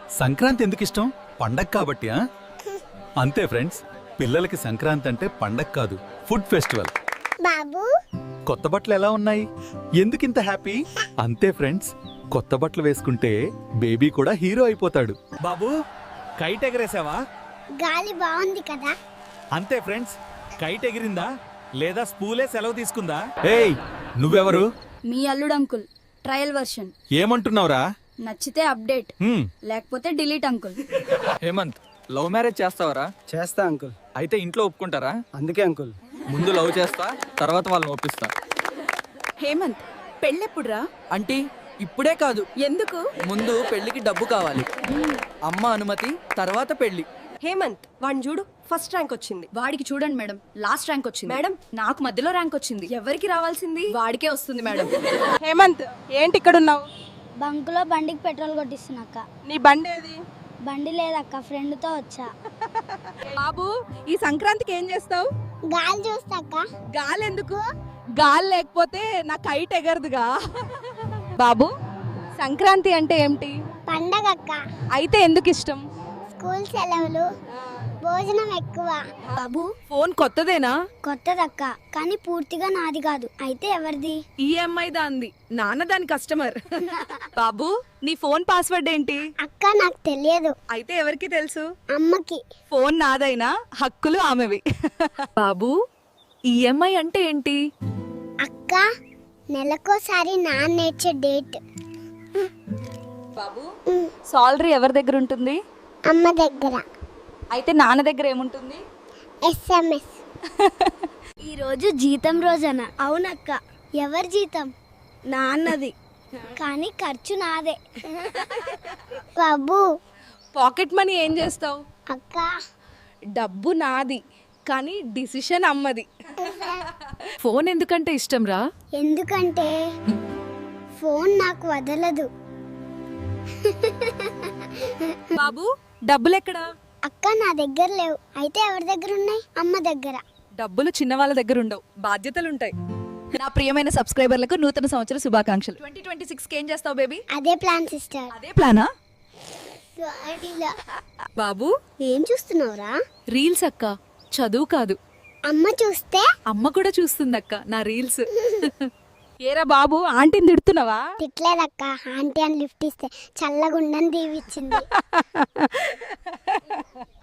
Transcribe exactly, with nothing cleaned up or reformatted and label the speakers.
Speaker 1: సంక్రాంతి ఎందుకు ఇష్టం? పండగ కాబట్టి. ఆ? అంతే ఫ్రెండ్స్, పిల్లలకి సంక్రాంతి అంటే పండగ కాదు, ఫుడ్ ఫెస్టివల్.
Speaker 2: బాబు
Speaker 1: కొత్త బట్టలు ఎలా ఉన్నాయి? ఎందుకింత హ్యాపీ? అంతే ఫ్రెండ్స్, కొత్త బట్టలు వేసుకుంటే బేబీ కూడా హీరో అయిపోతాడు. బాబు కైట్ ఎగరేసావా?
Speaker 2: గాలి బాగుంది కదా.
Speaker 1: అంతే ఫ్రెండ్స్, కైట్ ఎగిరిందా లేదా స్పూలే సెలవు తీసుకుందా? ఏయ్ నువ్వెవరు?
Speaker 3: మీ అల్లుడు అంకుల్, ట్రయల్ వర్షన్.
Speaker 1: ఏమంటున్నావురా?
Speaker 3: నచ్చితే అప్డేట్,
Speaker 1: హ్మ్,
Speaker 3: లేకపోతే delete uncle.
Speaker 4: Hemanth, love marriage చేస్తావరా?
Speaker 5: చేస్తా అంకుల్.
Speaker 4: అయితే ఇంట్లో ఒప్పుకుంటారా?
Speaker 5: అందుకే అంకుల్.
Speaker 4: ముందు లవ్ చేస్తా, తర్వాత వాళ్ళని ఒప్పిస్తా.
Speaker 6: హేమంత్, పెళ్ళెప్పుడురా?
Speaker 4: అంటే ఇప్పుడే కాదు,
Speaker 6: ఎందుకు?
Speaker 4: ముందు పెళ్లికి డబ్బు కావాలి, అమ్మ అనుమతి, తర్వాత పెళ్లి.
Speaker 6: హేమంత్, వాడిని చూడు, ఫస్ట్ ర్యాంక్ వచ్చింది.
Speaker 3: వాడికి చూడండి మేడం, లాస్ట్ ర్యాంక్ వచ్చింది.
Speaker 6: మేడం,
Speaker 3: నాకు మధ్యలో ర్యాంక్ వచ్చింది.
Speaker 6: ఎవరికి రావాల్సింది?
Speaker 3: వాడికే వస్తుంది మేడం.
Speaker 7: హేమంత్, ఏంటి ఇక్కడ ఉన్నావు?
Speaker 2: బంకులో బండికి పెట్రోల్ కొట్టిస్తున్నాక.
Speaker 7: నీ బండి ఏది?
Speaker 2: బండి లేదక్క, ఫ్రెండ్తో వచ్చా.
Speaker 7: బాబు, ఈ సంక్రాంతికి ఏం చేస్తావు?
Speaker 2: గాలి చూస్తాక.
Speaker 7: గాలి ఎందుకు? గాలి లేకపోతే నా కైట్ ఎగరదుగా. బాబు, సంక్రాంతి అంటే ఏమిటి?
Speaker 2: పండగ అక్క.
Speaker 7: అయితే ఎందుకు ఇష్టం?
Speaker 2: స్కూల్ సెలవులు, భోజనం ఎక్కువ.
Speaker 6: బాబు, ఫోన్ కొత్తదేనా?
Speaker 2: కొత్తదక్క, కానీ పూర్తిగా నాది కాదు. అయితే ఎవరిది?
Speaker 6: ఈఎంఐ దాంది, నాన్న దాని కస్టమర్. బాబు, నీ ఫోన్ పాస్వర్డ్ ఏంటి?
Speaker 2: అక్క నాకు తెలియదు.
Speaker 6: అయితే ఎవరికి తెలుసు?
Speaker 2: అమ్మకి.
Speaker 6: ఫోన్ నాదైనా హక్కులు ఆమెవి. బాబు, ఈఎంఐ అంటే ఏంటి?
Speaker 2: అక్క, నెలకోసారి నాన్న నేర్చే డేట్.
Speaker 6: బాబు, సాలరీ ఎవరి దగ్గర ఉంటుంది?
Speaker 2: అమ్మ దగ్గర.
Speaker 6: అయితే నాన్న దగ్గర ఏముంటుంది?
Speaker 2: ఎస్ఎంఎస్. ఈరోజు జీతం రోజన. అవునక్క. ఎవరి జీతం? నాన్నది, కానీ ఖర్చు నాదే. బాబు,
Speaker 6: పాకెట్ మనీ ఏం చేస్తావు?
Speaker 2: అక్క,
Speaker 6: డబ్బు నాది, కానీ డిసిషన్ అమ్మది. ఫోన్ ఎందుకంటే ఇష్టం రా?
Speaker 2: ఎందుకంటే ఫోన్ నాకు వదలదు.
Speaker 6: బాబు, డబ్బులు ఎక్కడా?
Speaker 2: అక్క, నా దగ్గర లేవు. అయితే ఎవరి దగ్గర ఉన్నాయి? అమ్మ దగ్గర.
Speaker 6: డబ్బులు చిన్న వాళ్ళ దగ్గర ఉండవు, బాధ్యతలు ఉంటాయి. నా ప్రియమైన సబ్స్క్రైబర్లకు నూతన సంవత్సర శుభాకాంక్షలు. ట్వంటీ ట్వంటీ సిక్స్ కి ఏం చేస్తావు బేబీ?
Speaker 2: అదే ప్లాన్ సిస్టర్.
Speaker 6: అదే ప్లానా?
Speaker 2: గాడిలో.
Speaker 6: బాబు,
Speaker 2: ఏం చూస్తున్నావురా?
Speaker 6: రీల్స్ అక్క, చదువు కాదు.
Speaker 2: అమ్మ చూస్తే?
Speaker 6: అమ్మ కూడా చూస్తుందక్క నా రీల్స్. ఏరా బాబు, ఆంటీని తిడుతున్నావా?
Speaker 2: తిట్లేదక్క, ఆంటీ అని లిఫ్ట్ ఇస్తే చల్లగుండని దీవిచ్చింది.